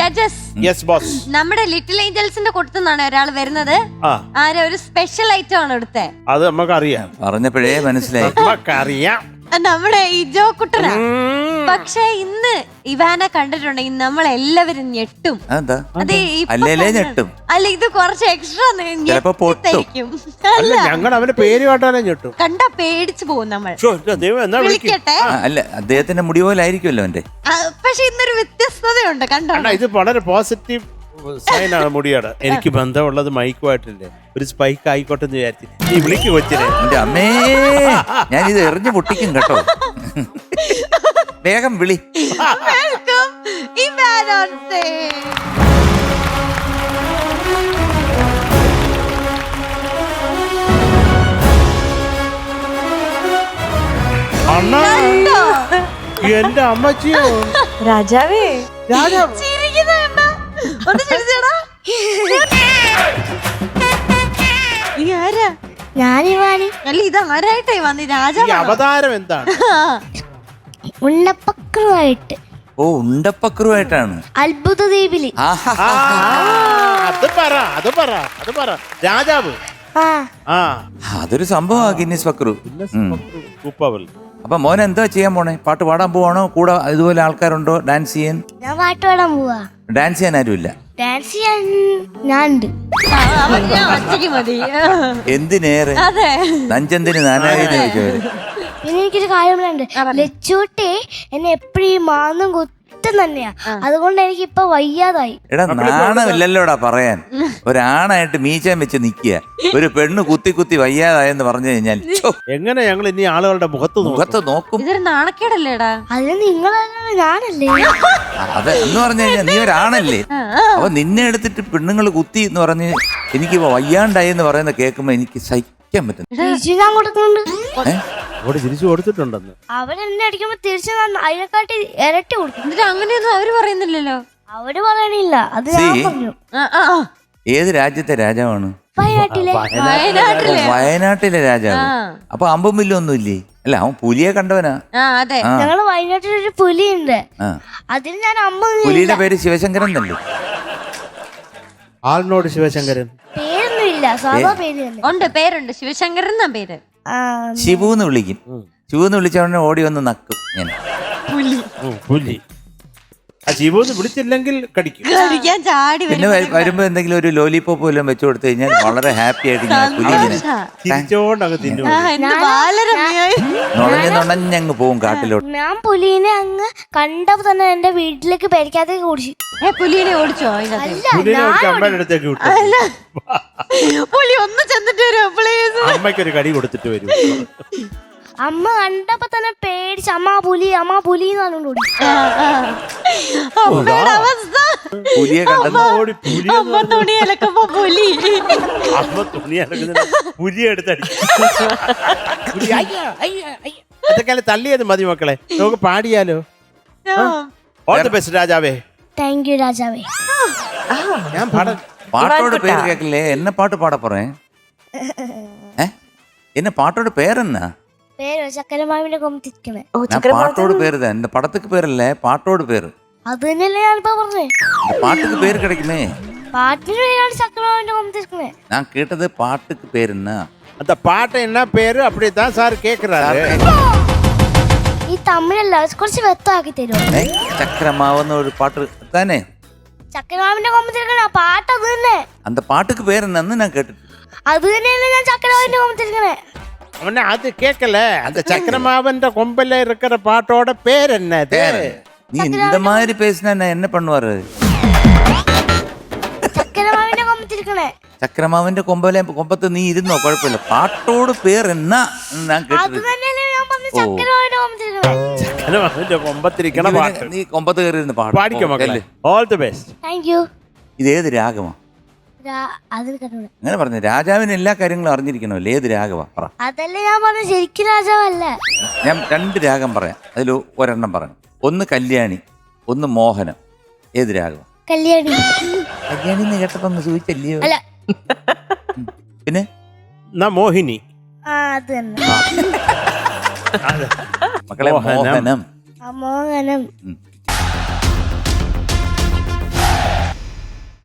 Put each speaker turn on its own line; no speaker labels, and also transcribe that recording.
Judges.
Yes boss.
നമ്മുടെ little ഏഞ്ചൽസിന്റെ കൂട്ടത്തിന്നാണ് ഒരാൾ വരുന്നത്. ആരെ ഒരു സ്പെഷ്യൽ ഐറ്റം ആണ് എടുത്തേ.
അത് നമുക്കറിയാം,
പറഞ്ഞപ്പോഴേ മനസ്സിലായി.
നമുക്കറിയാം
നമ്മുടെ ഇജോ കുട്ടനാ. പക്ഷെ ഇന്ന് ഇവാനെ കണ്ടിട്ടുണ്ടെങ്കിൽ നമ്മളെല്ലാവരും ഞെട്ടും. അതെ,
അല്ലേ ഞെട്ടും.
അല്ല, ഇത് കുറച്ച് എക്സ്ട്രാ ഞെട്ടിക്കും.
അല്ല, ഞങ്ങൾ അവന്റെ പേര് കേട്ടാലേ ഞെട്ടും.
കണ്ടാ പേടിച്ചു പോകും നമ്മൾ. വിളിക്കട്ടെ.
അല്ല, അദ്ദേഹത്തിന്റെ മുടി പോലെ ആയിരിക്കുമല്ലോ അവന്റെ.
പക്ഷെ ഇന്നൊരു വ്യത്യസ്തതയുണ്ട്, കണ്ടോ?
ഇത് വളരെ പോസിറ്റീവ് സൈനാണ് മുടിയുടെ. എനിക്ക് ബന്ധമുള്ളത് മൈക്കുമായിട്ടില്ലേ, ഒരു സ്പൈക്ക് ആയിക്കോട്ടെ എന്ന് വിചാരിച്ചു. നീ വിളിക്ക് കൊച്ചിനെ.
എന്റെ അമ്മേ, ഞാനിത് എറിഞ്ഞു പൊട്ടിക്കും കേട്ടോ. വേഗം വിളി.
Welcome Ivan on stage.
അണ്ണാ, എന്റെ അമ്മച്ചിയോ.
രാജാവേ,
രാജാവ്
ഒന്ന് ചിരിച്ചേടാ. അല്ല, ഇത് ആരായിട്ടായി വന്നി? രാജാവ്
അവതാരം എന്താണ്?
ഉണ്ണപ്പക്രുവായിട്ട്.
ഓ, ഉണ്ടപ്പക്രുവായിട്ടാണ്.
അത്ഭുത ദ്വീപില്.
അത് പറ രാജാവ്.
അതൊരു സംഭവമാണ് ഗിന്നസ് പക്രു. അപ്പൊ മോൻ എന്താ ചെയ്യാൻ പോണേ? പാട്ട് പാടാൻ പോവാണോ? കൂടെ ഇതുപോലെ ആൾക്കാരുണ്ടോ ഡാൻസ് ചെയ്യാൻ?
ഞാൻ പാട്ട് പാടാൻ പോവാ.
ഡാൻസ് ചെയ്യാൻ ആരുമില്ല?
ഡാൻസ് ചെയ്യാൻ ഞാനുണ്ട്.
എന്തിനേറെ നഞ്ചെന്തിന് നാനായത് ചോദിച്ചവര്.
പിന്നെ എനിക്കൊരു കാര്യം പറയാനുണ്ട്. ലച്ചൂട്ടി എന്നെ എപ്പോഴും മാന്നും കുത്തും തന്നെയാ. അതുകൊണ്ട് എനിക്ക് ഇപ്പൊ വയ്യാതായി.
എടാ, നാണമില്ലല്ലോടാ പറയാൻ. ഒരാണായിട്ട് മീശാൻ വെച്ച് നിക്കുക, ഒരു പെണ്ണ് കുത്തി കുത്തി വയ്യാതായെന്ന് പറഞ്ഞു കഴിഞ്ഞാൽ
എങ്ങനെ ഞങ്ങൾ ഇനി ആളുകളുടെ മുഖത്ത്
നോക്കും?
ഇതൊരു നാണക്കേടല്ലേടാ.
അതിന് നിങ്ങളല്ല, ഞാനല്ലേ.
അത് എന്ന് പറഞ്ഞു കഴിഞ്ഞാൽ നീ ഒരാണല്ലേ. അപ്പൊ നിന്നെ എടുത്തിട്ട് പെണ്ണുങ്ങൾ കുത്തി എന്ന് പറഞ്ഞ് എനിക്ക് വയ്യാണ്ടായി എന്ന് പറയുന്ന കേൾക്കുമ്പോ എനിക്ക് സഹിക്കാൻ പറ്റും.
ഞാൻ കൊടുക്കുന്നുണ്ട്.
തിരിച്ചു കൊടുത്തിട്ടുണ്ടെന്ന്
അവരെന്നെ അടിക്കുമ്പോ തിരിച്ചു അതിനെക്കാട്ടി ഇരട്ടി കൊടുക്കും.
എന്നിട്ട് അങ്ങനെയൊന്നും അവര് പറയുന്നില്ലല്ലോ.
അവര് പറയണില്ല, അത് ഞാൻ പറഞ്ഞു.
ഏത് രാജ്യത്തെ രാജാവാണ്?
വയനാട്ടിലെ
രാജാവ്. അപ്പൊ അമ്പും വില്ലൊന്നും ഇല്ലേ? അല്ല, അവൻ പുലിയെ കണ്ടവനാ.
ഞങ്ങള് വയനാട്ടിലൊരു പുലിയുണ്ട്. അതിന് ഞാൻ
പുലിയുടെ പേര് ശിവശങ്കരൻ തന്നെ.
ആളിനോട് ശിവശങ്കരൻ
പേരൊന്നുമില്ല, സാധാ പേര് തന്നെ.
ഉണ്ട്, പേരുണ്ട്, ശിവശങ്കരൻ എന്നാ പേര്.
ശിവൂന്ന് വിളിക്കും. ശിവൂന്ന് വിളിച്ചവനെ ഓടി വന്ന് നക്കും. ഞാൻ
പുലി ശിവൂന്ന് വിളിച്ചില്ലെങ്കിൽ കടിക്കും.
പിന്നെ വരുമ്പോ എന്തെങ്കിലും ഒരു ലോലിപോപ്പ് വല്ലതും വെച്ചു കൊടുത്തു കഴിഞ്ഞാൽ വളരെ ഹാപ്പി ആയിട്ട് ഞാൻ പുലിനെ നുണഞ്ഞങ്ങ് പോവും കാട്ടിലോട്ട്.
ഞാൻ പുലിനെ അങ്ങ് കണ്ടപ്പോ തന്നെ എന്റെ വീട്ടിലേക്ക് പേടിക്കാത്തേക്ക് ഓടിച്ചു.
പുലിനെ ഓടിച്ചോ?
അമ്മയുടെ അടുത്തേക്ക് വിട്ടു.
പുലി ഒന്ന് ചെന്നിട്ട് വരും, പ്ലീസ്.
അമ്മയ്ക്കൊരു കടി കൊടുത്തിട്ട് വരും.
അമ്മ കണ്ടപ്പോ തന്നെ പേടിച്ച് അമ്മ പുലി എന്ന് പറഞ്ഞോണ്ട് ഓടി.
അമ്മയുടെ അവസ്ഥ.
പുലിയെ
അമ്മ തുണി അലക്കുമ്പോ
പുലി എടുത്തടി. അതൊക്കെ തള്ളിയത് മതി മക്കളെ, നമുക്ക് പാടിയാലോ? ഓൾ ദി ബെസ്റ്റ് രാജാവേ.
താങ്ക് യു രാജാവേ.
ഞാൻ
പാട്ടോട് പേര് കേക്കില്ലേ? എന്നെ പാട്ട് പാടാ പറേ. എന്നെ പാട്ടോട് പേരെന്നാ?
പേര് ചക്കരമാവിന്റെ കൊമ്പത്തിരിക്കണേ.
പാട്ടോട് പേര് എന്റെ പടത്തേക്ക് പേരല്ലേ, പാട്ടോട് പേര്.
അത് തന്നെയല്ലേ ഞാനിപ്പോ പറഞ്ഞേ.
പാട്ടുക്ക് പേര് കിടക്കുന്നേ.
പാട്ടിന് പേരാണ് ചക്കരമാവിന്റെ കൊമ്പത്തിരിക്കണേ.
ഞാൻ കേട്ടത് പാട്ടുക്ക് പേരെന്നാ.
அந்த பாட்டு என்ன பேரு அப்படிதான் சார் கேக்குறாரு.
ഈ തമിഴല്ല, കുറച്ച് വ്യക്തമാക്കി തരുമോ?
ചക്രമാവുന്ന ഒരു പാട്ട് തന്നെ.
ചക്കരമാവിന്റെ കൊമ്പത്തിരിക്കണ പാട്ട് അത് തന്നെ.
அந்த பாட்டுக்கு பேர் என்னன்னு நான் கேட்டு.
அது തന്നെയല്ലേ ഞാൻ ചക്കരമാവിന്റെ കൊമ്പത്തിരിക്കണേ.
அவன அது கேட்கல. அந்த சக்கரமாவன்ற கொம்பல இருக்கிற பாட்டோட பேர் என்னது?
நீ இந்த மாதிரி பேசினா நான் என்ன பண்ணுவாரு?
ചക്കരമാവിന്റെ കൊമ്പത്തിരിക്കണേ.
ചക്രമാവിന്റെ കൊമ്പത്ത് നീ ഇരുന്നോ, കുഴപ്പമില്ല. പാട്ടോട് പേര് എന്നാ ഞാൻ കേട്ടത്.
ചക്കരമാവിന്റെ കൊമ്പത്തിരിക്കണ പാട്ട്.
നീ കൊമ്പത്ത് കയറി പാട്ട്
പാടിക്കോ മക്കളെ. All the best.
Thank you.
ഇതേത് രാഗമാ? അങ്ങനെ പറഞ്ഞു. രാജാവിന് എല്ലാ കാര്യങ്ങളും അറിഞ്ഞിരിക്കണമല്ലോ. ഏത് രാഗമാ പറ.
അതല്ലേ ഞാൻ പറഞ്ഞു, ശരിക്കും രാജാവല്ല.
ഞാൻ 2 രാഗം പറയാം, അതിൽ ഒരെണ്ണം പറഞ്ഞു. ഒന്ന് കല്യാണി, ഒന്ന് മോഹനം. ഏത് രാഗമാ?
കല്യാണി.
കല്യാണി എന്ന് കേട്ടപ്പോ സൂചിച്ചല്ലയോ? പിന്നെ
മോഹിനി.
അത് തന്നെ
മക്കളെ, മോഹനം.
മോഹനം.